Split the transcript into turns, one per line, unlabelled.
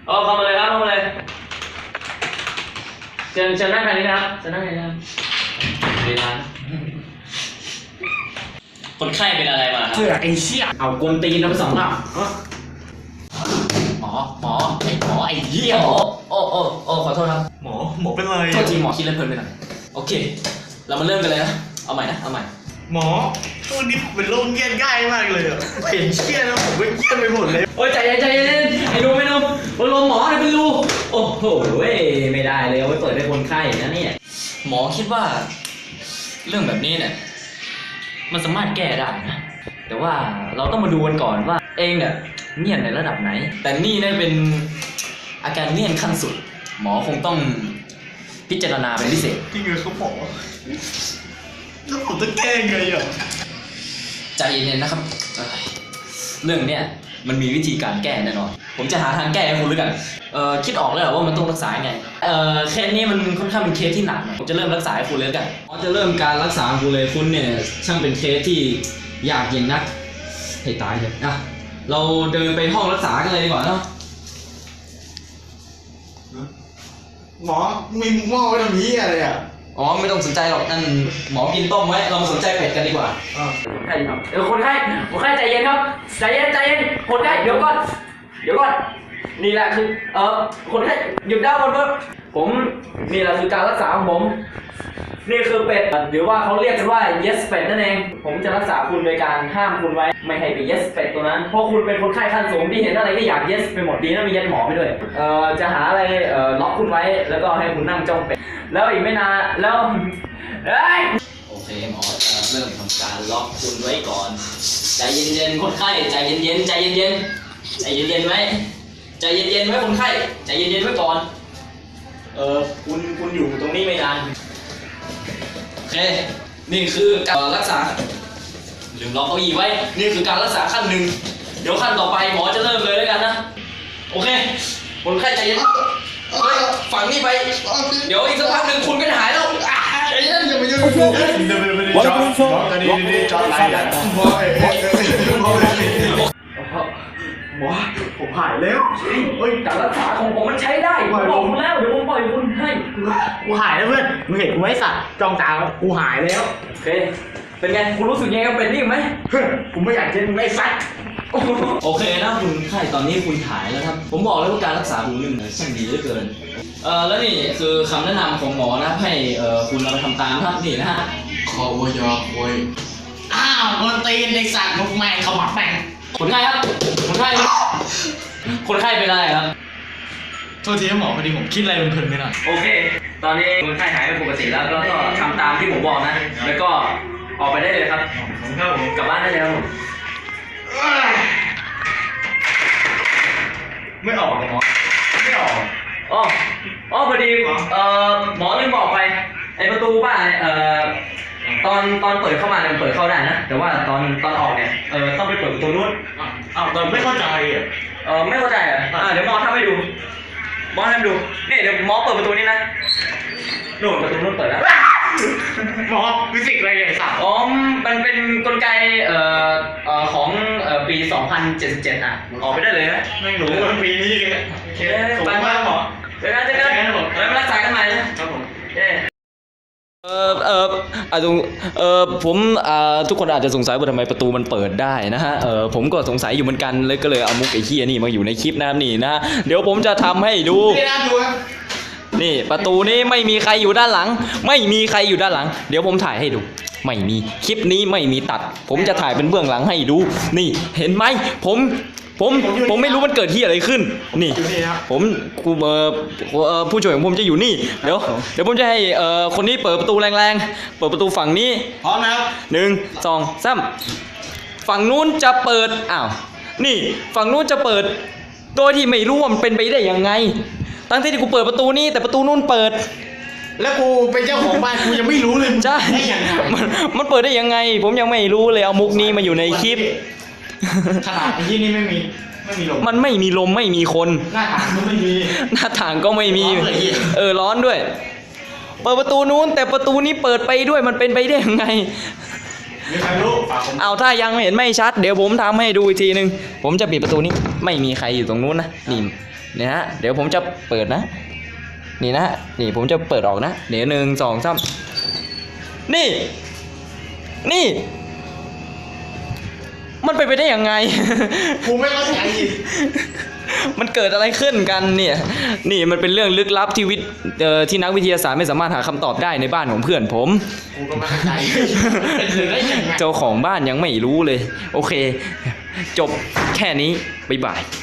เข้ามาเลยครับเข้ามาเลยเชิญนั่งทางนี้นะครับเชิญนั่งทางนี้นะครับดีนะคนไข้เป็นอะไรมาครับ
เชื่อไอ้เชี่ยเอากวนตีนทั้งสองรอบหมอไอ้เหี้ย
โอ้ขอโทษครับ
หมอเป็นไร
โทษทีหมอคิดเล่นเพลินไปหน่อยโอเคเรามาเริ่มกันเลยนะเอาใหม่
หมอตัวนี้เป็นโรคเงียบง่ายมากเลยอ่ะเห็นเชี่ยแล้วผมก็เงียบไปหมดเลย
โอ้ยใจเย็นไอ้นุ่มลมหมอเนี่ยเป็นรูโอ้โหไม่ได้เลยเอาไว้เปิดให้คนไข้นะเนี่ยหมอคิดว่าเรื่องแบบนี้เนี่ยมันสามารถแก้ได้นะแต่ว่าเราต้องมาดูกันก่อนว่าเองเนี่ยเงียบในระดับไหนแต่นี่เนี่ยเป็นอาการเงียบขั้นสุดหมอคงต้องพิจารณาเป็นพิเศษ
จริงเหรอเขาบอกแล้วผมจะแก้ไงอ่ะ
ใจเย็นๆนะครับเรื่องเนี้ยมันมีวิธีการแก้แน่นอนผมจะหาทางแก้ให้คุณด้วยกันคิดออกแล้วว่ามันต้องรักษาไงเคสนี้มันค่อนข้างเป็นเคสที่หนักผมจะเริ่มรักษาให้คุณเลยกันผมจะเริ่มการรักษาคุณเลยคุณเนี่ยช่างเป็นเคสที่ยากเย็นนักให้ตายเลยนะเราเดินไปห้องรักษากันเลยดีกว่าเนาะ
หมอมีหม้อไว้ตรงนี้อะไรอ่ะ
ไม่ต้องสนใจหรอกนั่นหมอกินต้มไว้เรามาสนใจเป็ดกันดีกว่าคนไข้ครับคนไข้ใจเย็นครับใจเย็นคนไข้เดี๋ยวก่อนนี่แหละคือคนไข้หยุดได้บนรถผมนี่แหละคือการรักษาของผมนี่คือเป็ดหรือว่าเขาเรียกกันว่า yes เป็ดนั่นเองผมจะรักษาคุณโดยการห้ามคุณไว้ไม่ให้ไป yes เป็ดตัวนั้นเพราะคุณเป็นคนไข้ขั้นสูงที่เห็นอะไรก็อยาก yes ไปหมดดีนะมี yes หมอไปด้วยจะหาอะไรล็อกคุณไว้แล้วก็ให้คุณนั่งจ้องเป็ดแล้วอีกไม่นานแล้วโอเคหมอจะเริ่มทำการล็อกคุณไว้ก่อนใจเย็นๆคนไข้ใจเย็นไว้ใจเย็นไว้คนไข้ใจเย็นไว้ก่อนคุณอยู่ตรงนี้ไม่นานโอเคนี่คือการรักษาลืมล็อกเก้าอี้ไว้นี่คือการรักษาขั้นหนึ่งเดี๋ยวขั้นต่อไปหมอจะเริ่มเลยแล้วกันนะโอเคคนไข้ใจเย็นฝั่งนี้ไปเดี๋ยวอีกสักพักหนึ่งคุณก็จะหายแล้วใจเย็นอย่าไปยุ่ง
จอดอะไรอ่ะหมอผมหายแล้ว
การรักษาของผมมันใช้ได้ผมบอกคุณแล้วเดี๋ยวผมปล่อยคุณให้
กูหายแล้วเพื่อนมึงเห็นกูไว้สัตว์จ้องตากูหายแล้ว
โอเคเป็นไงคุณรู้สึกยังไงกับเป็นนี่ไหม
กูไม่อยากเจอมึงไอ้สัตว์
โอเคนะคุณไข้ตอนนี้คุณหายแล้วครับผมบอกแล้วว่าการรักษาคุณนี่ช่างดีเหลือเกินแล้วนี่คือคำแนะนำของหมอนะให้คุณเอาไปทำตามครับนี่นะฮะ
ขอวยอควยคนตีนไอ้สัตว์มุกแม่งเขาหมักแม่ง
คนไข้ครับคนไข้เป็นอะไรครับ
โทษทีหมอพอดีผมคิดอะไรเพลินๆไปหน่อย
โอเคตอนนี้คนไข้หายเป็นปกติแล้วก็ทำตามที่ผมบอกนะแล้วก็ออกไปได้เลยครับกลับบ้านได้แล้ว
ไม่ออกหรอไม่ออก
พอดีหมอลืมบอกไปไอประตูบ้านตอนเปิดเข้ามาเนี่ยเปิดเข้าได้นะแต่ว่าตอนออกเนี่ยต้องไปเปิดประตูนู้น
ตอนไม่เข้าใจ
ไม่เข้าใจเดี๋ยวหมอทำให้ดูนี่เดี๋ยวหมอเปิดประตูนี้นะนู่นประตูนู้นเปิดแล้ว
หมอฟิสิกส์อะไรเนี่ยสัตว์
มันเป็นกลไกของปี 2077ออกไปได้เลยนะ
ไม่รู้ว่าปีนี้เลย
โอเคไปหมอเจอกันมารักษากันใหม่นะครับผมผมทุกคนอาจจะสงสัยว่าทำไมประตูมันเปิดได้นะฮะผมก็สงสัยอยู่เหมือนกันเลยก็เลยเอามุกไอ้เหี้ยนี่มาอยู่ในคลิปนะครับนี่นะเดี๋ยวผมจะทำให้ดูนี่ประตูนี้ไม่มีใครอยู่ด้านหลังเดี๋ยวผมถ่ายให้ดูไม่มีคลิปนี้ไม่มีตัดผมจะถ่ายเป็นเบื้องหลังให้ดูนี่เห็นไหมผมไม่รู้มันเกิดที่อะไรขึ้นนี่ผมผู้ช่วยของผมจะอยู่นี่เดี๋ยวผมจะให้คนนี้เปิดประตูแรงๆเปิดประตูฝั่งนี้
พร้อมนะครับ
1 2 3ฝั่งนู้นจะเปิดนี่ฝั่งนู้นจะเปิดโดยที่ไม่รู้ว่ามันเป็นไปได้ยังไงตั้งที่กูเปิดประตูนี้แต่ประตูนู้นเปิด
แล้วกูเป็นเจ้าของบ้านกูยังไม่รู้เลย
ใช่มันเปิดได้ยังไงผมยังไม่รู้เลยเอามุกนี้มาอยู่ในคลิป
ขนาดที่นี่ไม่มีลม
มันไม่มีลมไม่มีคน
หน้าต่างก็ไม่มี
ร้อนด้วยเปิดประตูนู้นแต่ประตูนี้เปิดไปด้วยมันเป็นไปได้ยังไง
มีใครรู้ฝากผม
เอาถ้ายังเห็นไม่ชัดเดี๋ยวผมทำให้ดูอีกทีนึงผมจะปิดประตูนี้ไม่มีใครอยู่ตรงนู้นนะนี่เนี่ยฮะเดี๋ยวผมจะเปิดนะนี่นะนี่ผมจะเปิดออกนะเดี๋ยว1 2 3นี่นี่มันไปได้ยังไง
กูไม่เข้าใจ
มันเกิดอะไรขึ้นกันเนี่ยนี่มันเป็นเรื่องลึกลับที่ที่นักวิทยาศาสตร์ไม่สามารถหาคำตอบได้ในบ้านของเพื่อนผม
กูก็ไม่เข้าใจเป็นเรื่องได้ยังไง
เจ้าของบ้านยังไม่รู้เลยโอเคจบแค่นี้บ๊ายบาย